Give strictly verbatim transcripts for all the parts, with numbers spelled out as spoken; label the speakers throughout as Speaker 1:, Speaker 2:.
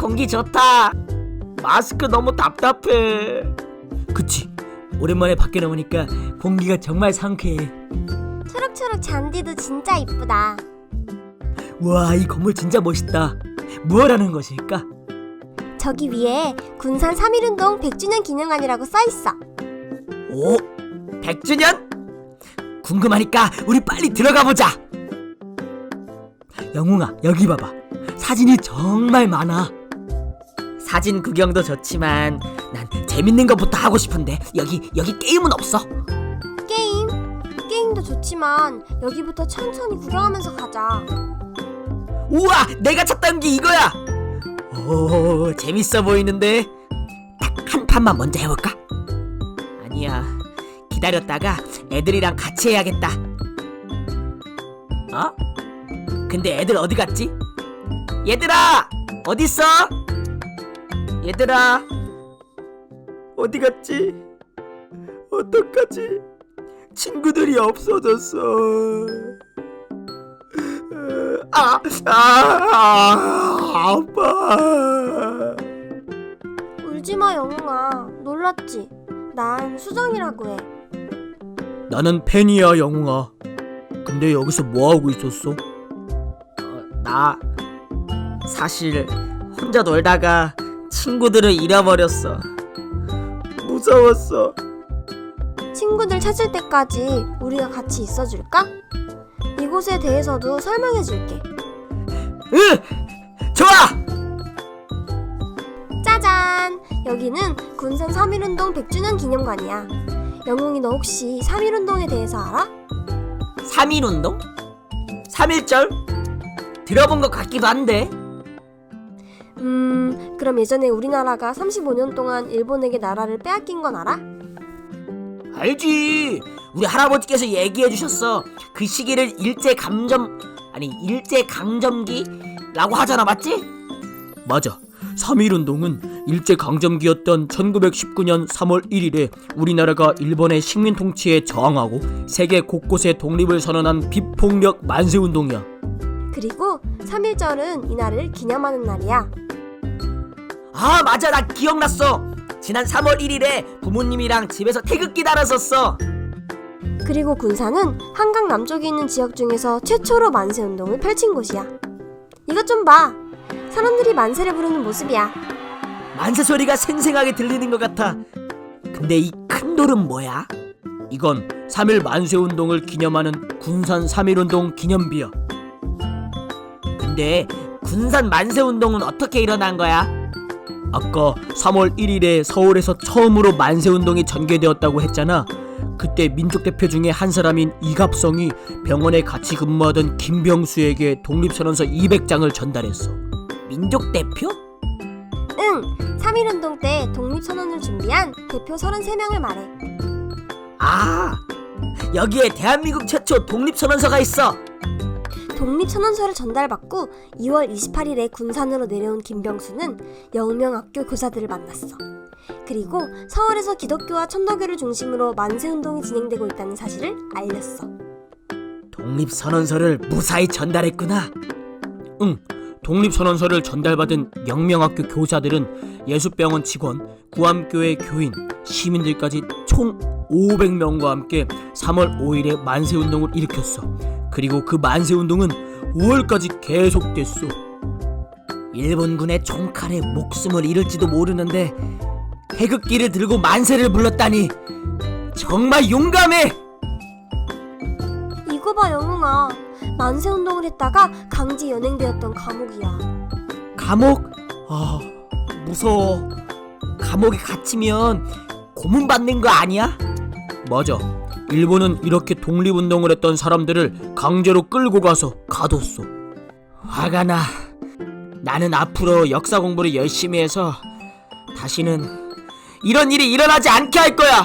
Speaker 1: 공기 좋다. 마스크 너무 답답해. 그치, 오랜만에 밖에 나오니까 공기가 정말 상쾌해.
Speaker 2: 초록초록 잔디도 진짜 이쁘다.
Speaker 1: 와, 이 건물 진짜 멋있다. 무엇하는 것일까?
Speaker 2: 저기 위에 군산 삼일운동 백 주년 기념관이라고 써있어.
Speaker 1: 오, 백 주년? 궁금하니까 우리 빨리 들어가보자. 영웅아, 여기 봐봐. 사진이 정말 많아. 사진 구경도 좋지만 난 재밌는 것부터 하고 싶은데 여기 여기 게임은 없어?
Speaker 2: 게임? 게임도 좋지만 여기부터 천천히 구경하면서 가자.
Speaker 1: 우와, 내가 찾던 게 이거야. 오, 재밌어 보이는데. 딱 한 판만 먼저 해볼까? 아니야, 기다렸다가 애들이랑 같이 해야겠다. 어? 근데 애들 어디 갔지? 얘들아, 어딨어? 얘들아, 어디 갔지? 어떡하지? 친구들이 없어졌어. 아, 아, 아파.
Speaker 2: 울지마 영웅아. 놀랐지? 난 수정이라고 해.
Speaker 1: 나는 팬이야, 영웅아. 근데 여기서 뭐하고 있었어? 어, 나 사실 혼자 놀다가 친구들을 잃어버렸어. 무서웠어.
Speaker 2: 친구들 찾을 때까지 우리가 같이 있어줄까? 이곳에 대해서도 설명해줄게.
Speaker 1: 응! 좋아!
Speaker 2: 짜잔! 여기는 군산 삼일운동 백 주년 기념관이야. 영웅이 너 혹시 삼일운동에 대해서 알아?
Speaker 1: 삼일운동? 삼일절? 들어본 것 같기도 한데.
Speaker 2: 음... 그럼 예전에 우리나라가 삼십오 년 동안 일본에게 나라를 빼앗긴 건 알아?
Speaker 1: 알지. 우리 할아버지께서 얘기해 주셨어. 그 시기를 일제감점 아니 일제강점기라고 하잖아, 맞지? 맞아. 삼일운동은 일제강점기였던 천구백십구 년 삼월 일일에 우리나라가 일본의 식민 통치에 저항하고 세계 곳곳에 독립을 선언한 비폭력 만세운동이야.
Speaker 2: 그리고 삼일절은 이날을 기념하는 날이야.
Speaker 1: 아, 맞아. 나 기억났어. 지난 삼월 일일에 부모님이랑 집에서 태극기 달았었어.
Speaker 2: 그리고 군산은 한강 남쪽에 있는 지역 중에서 최초로 만세운동을 펼친 곳이야. 이것 좀 봐. 사람들이 만세를 부르는 모습이야.
Speaker 1: 만세 소리가 생생하게 들리는 것 같아. 근데 이 큰 돌은 뭐야? 이건 삼일 만세운동을 기념하는 군산 삼일운동 기념비야. 근데 군산 만세운동은 어떻게 일어난 거야? 아까 삼월 일일에 서울에서 처음으로 만세운동이 전개되었다고 했잖아. 그때 민족대표 중에 한 사람인 이갑성이 병원에 같이 근무하던 김병수에게 독립선언서 이백 장을 전달했어. 민족대표?
Speaker 2: 응! 삼일운동 때 독립선언을 준비한 대표 서른세 명을 말해.
Speaker 1: 아, 여기에 대한민국 최초 독립선언서가 있어.
Speaker 2: 독립선언서를 전달받고 이월 이십팔일에 군산으로 내려온 김병수는 영명학교 교사들을 만났어. 그리고 서울에서 기독교와 천도교를 중심으로 만세운동이 진행되고 있다는 사실을 알렸어.
Speaker 1: 독립선언서를 무사히 전달했구나. 응, 독립선언서를 전달받은 영명학교 교사들은 예수병원 직원, 구암교회 교인, 시민들까지 총 오백 명과 함께 삼월 오일에 만세운동을 일으켰어. 그리고 그 만세운동은 오월까지 계속됐어. 일본군의 총칼에 목숨을 잃을지도 모르는데 태극기를 들고 만세를 불렀다니 정말 용감해.
Speaker 2: 이거 봐 영웅아. 만세운동을 했다가 강제 연행되었던 감옥이야.
Speaker 1: 감옥? 아, 무서워. 감옥에 갇히면 고문받는 거 아니야? 맞아. 일본은 이렇게 독립운동을 했던 사람들을 강제로 끌고 가서 가뒀어. 화가 나. 나는 앞으로 역사 공부를 열심히 해서 다시는 이런 일이 일어나지 않게 할 거야.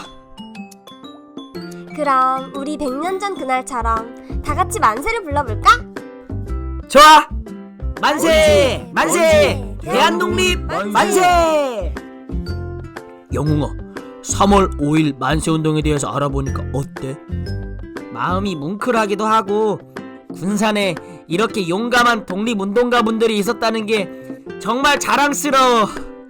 Speaker 2: 그럼 우리 백 년 전 그날처럼 다 같이 만세를 불러볼까?
Speaker 1: 좋아. 만세! 만세!
Speaker 2: 만세!
Speaker 1: 대한독립
Speaker 2: 만세!
Speaker 1: 만세! 영웅아, 삼월 오일 만세운동에 대해서 알아보니까 어때? 마음이 뭉클하기도 하고 군산에 이렇게 용감한 독립운동가분들이 있었다는 게 정말 자랑스러워.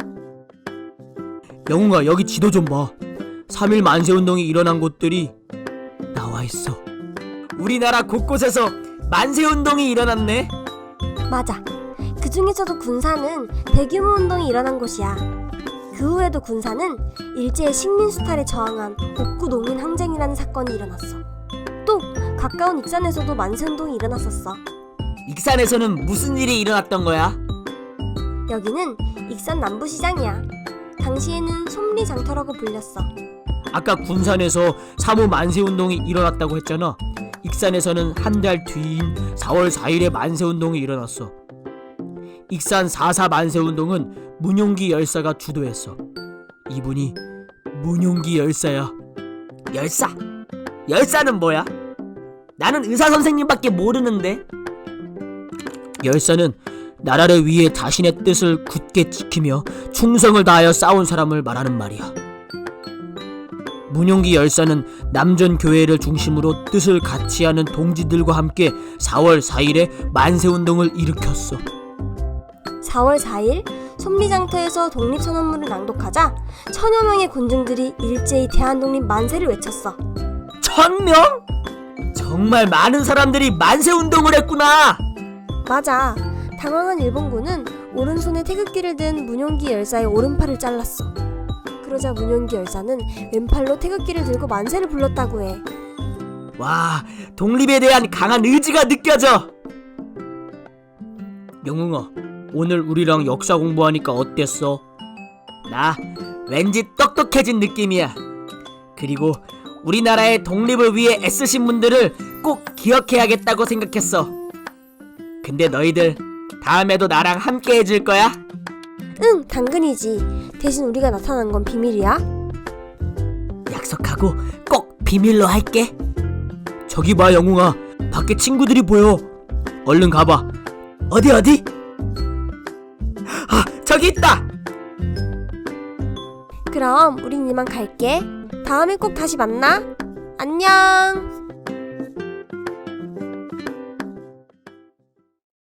Speaker 1: 영웅아, 여기 지도 좀 봐. 삼일 만세운동이 일어난 곳들이 나와있어. 우리나라 곳곳에서 만세운동이 일어났네.
Speaker 2: 맞아. 그 중에서도 군사는 대규모 운동이 일어난 곳이야. 그 후에도 군사는 일제의 식민수탈에 저항한 복구 농민 항쟁이라는 사건이 일어났어. 또 가까운 익산에서도 만세운동이 일어났었어.
Speaker 1: 익산에서는 무슨 일이 일어났던 거야?
Speaker 2: 여기는 익산 남부시장이야. 당시에는 솜리장터라고 불렸어.
Speaker 1: 아까 군산에서 삼.오 만세운동이 일어났다고 했잖아. 익산에서는 한 달 뒤인 사월 사일에 만세운동이 일어났어. 익산 사.사 만세운동은 문용기 열사가 주도했어. 이분이 문용기 열사야. 열사? 열사는 뭐야? 나는 의사 선생님밖에 모르는데. 열사는 나라를 위해 자신의 뜻을 굳게 지키며 충성을 다하여 싸운 사람을 말하는 말이야. 문용기 열사는 남전교회를 중심으로 뜻을 같이 하는 동지들과 함께 사월 사일에 만세운동을 일으켰어.
Speaker 2: 사월 사일 솜리장터에서 독립선언문을 낭독하자 천여 명의 군중들이 일제히 대한독립 만세를 외쳤어.
Speaker 1: 천 명? 정말 많은 사람들이 만세운동을 했구나.
Speaker 2: 맞아. 당황한 일본군은 오른손에 태극기를 든 문용기 열사의 오른팔을 잘랐어. 그러자 문용기 열사는 왼팔로 태극기를 들고 만세를 불렀다고 해.
Speaker 1: 와, 독립에 대한 강한 의지가 느껴져. 영웅아, 오늘 우리랑 역사 공부하니까 어땠어? 나 왠지 똑똑해진 느낌이야. 그리고 우리나라의 독립을 위해 애쓰신 분들을 꼭 기억해야겠다고 생각했어. 근데 너희들 다음에도 나랑 함께 해줄 거야?
Speaker 2: 응, 당근이지. 대신 우리가 나타난 건 비밀이야.
Speaker 1: 약속하고 꼭 비밀로 할게. 저기 봐, 영웅아. 밖에 친구들이 보여. 얼른 가봐. 어디 어디? 아, 저기 있다.
Speaker 2: 그럼 우린 이만 갈게. 다음에 꼭 다시 만나. 안녕.